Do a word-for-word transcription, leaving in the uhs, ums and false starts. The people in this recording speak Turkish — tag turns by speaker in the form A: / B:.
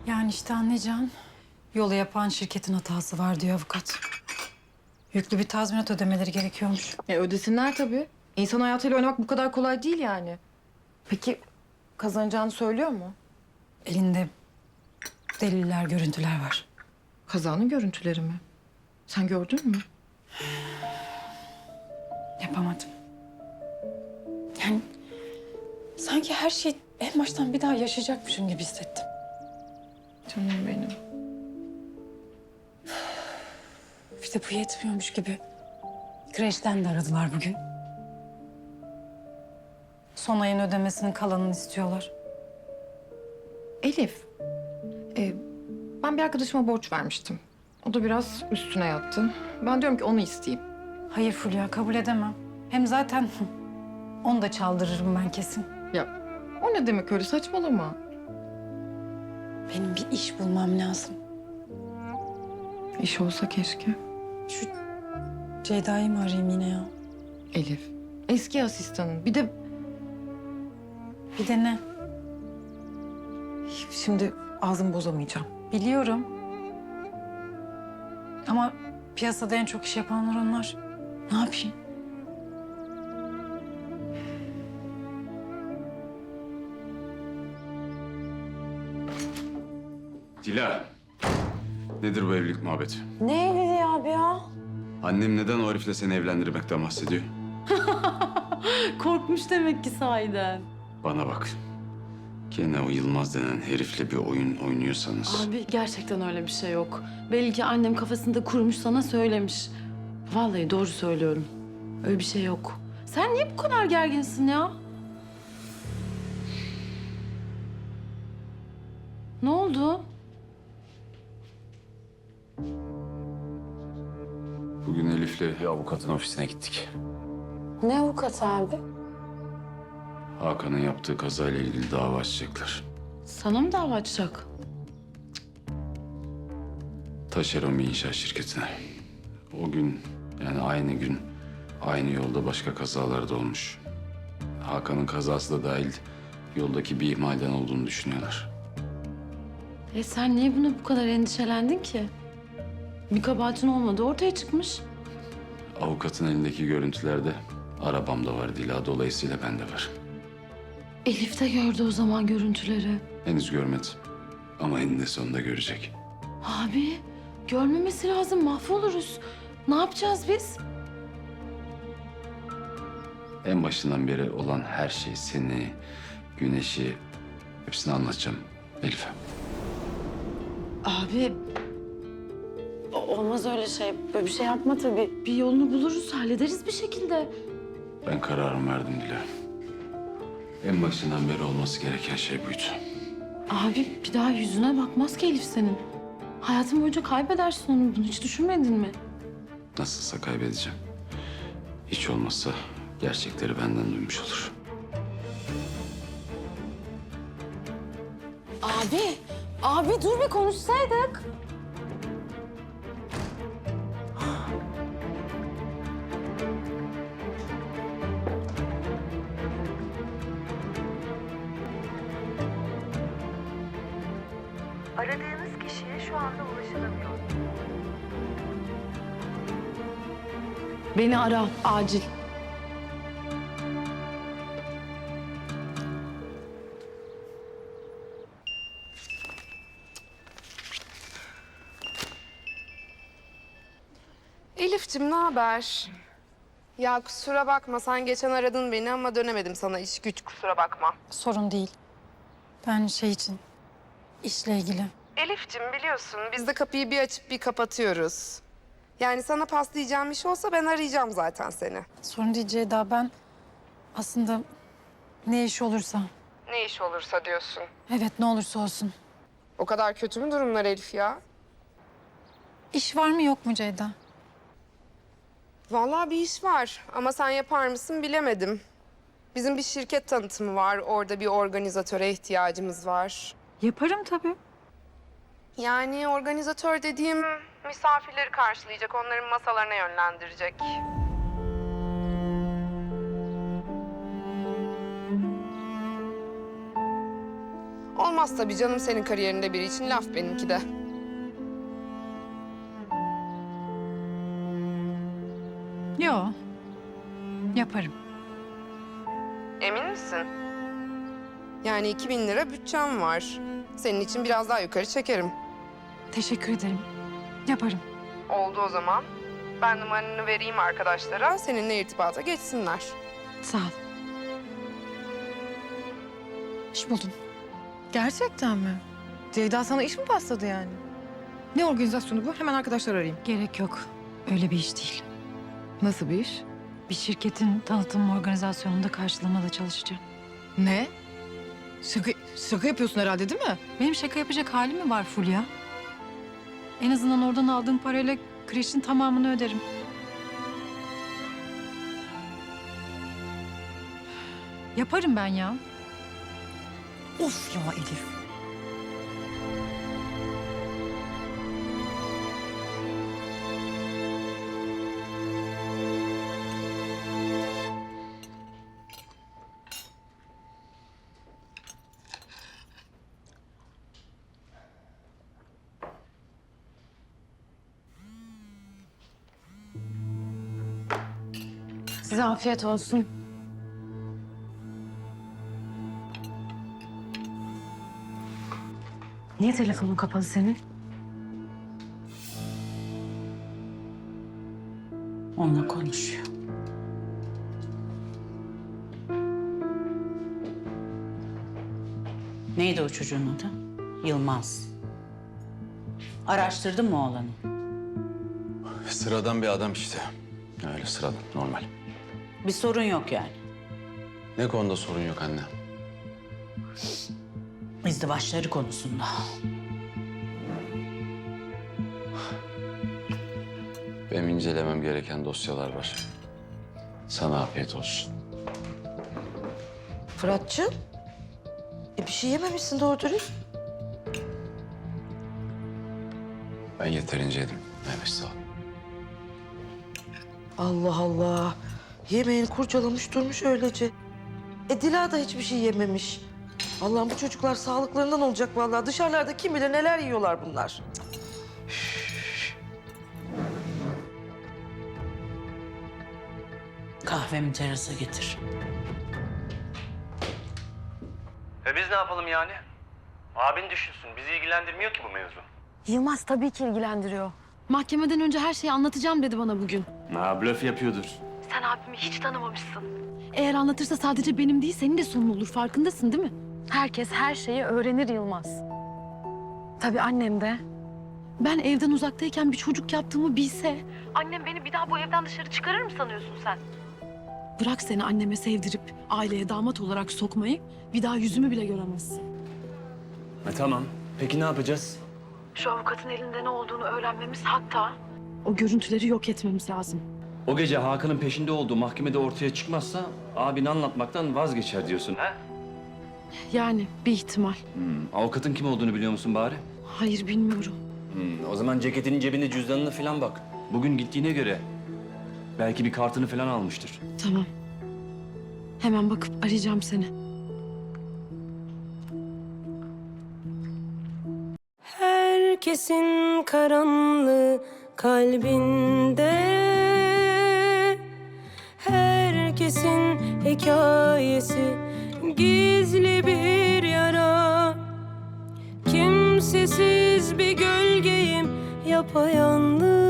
A: Yani işte anlayacağın yolu yapan şirketin hatası var diyor avukat. Yüklü bir tazminat ödemeleri gerekiyormuş.
B: E ödesinler tabii. İnsan hayatıyla oynamak bu kadar kolay değil yani. Peki kazanacağını söylüyor mu?
A: Elinde deliller, görüntüler var.
B: Kazanın görüntüleri mi? Sen gördün mü?
A: Yapamadım. Yani sanki her şeyi en baştan bir daha yaşayacakmışım gibi hissettim.
B: Canım benim.
A: İşte bu yetmiyormuş gibi. Kreşten de aradılar bugün. Son ayın ödemesinin kalanını istiyorlar.
B: Elif, e, ben bir arkadaşıma borç vermiştim. O da biraz üstüne yattı. Ben diyorum ki onu isteyeyim.
A: Hayır Fulya, kabul edemem. Hem zaten onu da çaldırırım ben kesin.
B: Ya o ne demek öyle, saçmalama.
A: Benim bir iş bulmam lazım.
B: İş olsa keşke.
A: Şu Ceyda'yı mı arayayım yine ya?
B: Elif, eski asistanın. Bir de
A: Bir de ne?
B: şimdi ağzımı bozamayacağım.
A: Biliyorum. Ama piyasada en çok iş yapanlar onlar. Ne yapayım?
C: Dila, nedir bu evlilik muhabbeti?
D: Ne evliliği abi ya?
C: Annem neden o herifle seni evlendirmekten bahsediyor?
D: Korkmuş demek ki sahiden.
C: Bana bak. Gene o Yılmaz denen herifle bir oyun oynuyorsanız...
D: Abi gerçekten öyle bir şey yok. Belli ki annem kafasında kurmuş sana söylemiş. Vallahi doğru söylüyorum. Öyle bir şey yok. Sen niye bu kadar gerginsin ya? Ne oldu?
C: Bugün Elif'le bir avukatın ofisine gittik.
D: Ne avukat abi?
C: Hakan'ın yaptığı kazayla ilgili dava açacaklar.
D: Sana mı dava açacak?
C: Taşeron bir inşaat şirketine. O gün, yani aynı gün, aynı yolda başka kazalar da olmuş. Hakan'ın kazası da dahil yoldaki bir ihmalden olduğunu düşünüyorlar.
D: E sen niye buna bu kadar endişelendin ki? Bir kabahatin olmadı ortaya çıkmış.
C: Avukatın elindeki görüntülerde arabam da var Dila, dolayısıyla ben de var.
D: Elif de gördü o zaman görüntüleri.
C: Henüz görmedi ama eninde sonunda görecek.
D: Abi görmemesi lazım, mahvoluruz. Ne yapacağız biz?
C: En başından beri olan her şey, seni, güneşi, hepsini anlatacağım Elif'e.
D: Abi o- olmaz öyle şey. Böyle bir şey yapma tabii. Bir yolunu buluruz, hallederiz bir şekilde.
C: Ben kararımı verdim Dila. En başından beri olması gereken şey buydu.
D: Abi bir daha yüzüne bakmaz ki Elif senin. Hayatın boyunca kaybedersin onu. Bunu hiç düşünmedin mi?
C: Nasılsa kaybedeceğim. Hiç olmazsa gerçekleri benden duymuş olur.
D: Abi, abi dur bir konuşsaydık.
E: Aradığınız kişiye şu anda ulaşılamıyor.
D: Beni ara, acil.
F: Elif'cim ne haber? Ya kusura bakma sen geçen aradın beni ama dönemedim sana iş güç kusura bakma.
A: Sorun değil. Ben şey için, işle ilgili.
F: Elif'cim biliyorsun biz de kapıyı bir açıp bir kapatıyoruz. Yani sana paslayacağım iş olsa ben arayacağım zaten seni.
A: Sorun değil Ceyda, ben aslında ne iş olursa,
F: Ne iş olursa diyorsun.
A: evet ne olursa olsun.
F: O kadar kötü mü durumlar Elif ya?
A: İş var mı yok mu Ceyda?
F: Vallahi bir iş var ama sen yapar mısın bilemedim. Bizim bir şirket tanıtımı var. Orada bir organizatöre ihtiyacımız var.
A: Yaparım tabii.
F: Yani organizatör dediğim misafirleri karşılayacak, onların masalarına yönlendirecek. olmaz tabii canım, senin kariyerinde biri için laf benimki de.
A: Yo. Yaparım.
F: Emin misin? Yani iki bin lira bütçem var. Senin için biraz daha yukarı çekerim.
A: Teşekkür ederim. Yaparım.
F: Oldu o zaman. Ben numaranı vereyim arkadaşlara, seninle irtibata geçsinler.
A: Sağ ol. İş buldum.
B: Gerçekten mi? Ceyda sana iş mi pasladı yani? Ne organizasyonu bu? Hemen arkadaşlar arayayım.
A: Gerek yok. Öyle bir iş değil.
B: Nasıl bir iş?
A: Bir şirketin tanıtım organizasyonunda karşılamada çalışacağım.
B: Ne? Şaka, şaka yapıyorsun herhalde değil mi?
A: Benim şaka yapacak halim mi var Fulya? En azından oradan aldığım parayla kreşin tamamını öderim. Yaparım ben ya.
B: Of ya Elif.
D: Size afiyet olsun. Niye telefonun kapalı senin?
G: Onunla konuşuyor. Neydi o çocuğun adı? Yılmaz. Araştırdın mı oğlanı?
C: Sıradan bir adam işte. Öyle sıradan, normal.
G: Bir sorun yok yani.
C: Ne konuda sorun yok anne?
G: İzdivaçları konusunda.
C: Benim incelemem gereken dosyalar var. Sana afiyet olsun.
H: Fırat'cığım, e bir şey yememişsin doğru dürüst.
C: Ben yeterince yedim. Evet, sağ ol.
H: Allah Allah. Yemeğini kurcalamış durmuş öylece. E Dila da hiçbir şey yememiş. Allah'ım bu çocuklar sağlıklarından olacak vallahi. Dışarılarda kim bilir neler yiyorlar bunlar.
G: Kahvemi terasa getir.
I: E biz ne yapalım yani? Abin düşünsün. Bizi ilgilendirmiyor ki bu mevzu.
D: Yılmaz tabii ki ilgilendiriyor. Mahkemeden önce her şeyi anlatacağım dedi bana bugün.
I: Ha, blöf yapıyordur.
D: Sen abimi hiç tanımamışsın. Eğer anlatırsa sadece benim değil, senin de sonun olur. Farkındasın değil mi? Herkes her şeyi öğrenir Yılmaz. Tabii annem de. Ben evden uzaktayken bir çocuk yaptığımı bilse... Annem beni bir daha bu evden dışarı çıkarır mı sanıyorsun sen? Bırak seni anneme sevdirip aileye damat olarak sokmayı... ...bir daha yüzümü bile göremezsin.
I: E tamam. Peki ne yapacağız?
D: Şu avukatın elinde ne olduğunu öğrenmemiz, hatta... ...o görüntüleri yok etmemiz lazım.
I: O gece Hakan'ın peşinde olduğu mahkemede ortaya çıkmazsa abini anlatmaktan vazgeçer diyorsun. He?
D: Yani bir ihtimal.
I: Hmm, avukatın kim olduğunu biliyor musun bari?
D: Hayır, bilmiyorum.
I: Hmm, o zaman ceketinin cebinde cüzdanına falan bak. Bugün gittiğine göre belki bir kartını falan almıştır.
D: Tamam. Hemen bakıp arayacağım seni.
J: Herkesin karanlığı kalbinde, herkesin hikayesi gizli bir yara. Kimsesiz bir gölgeyim yapayalnız.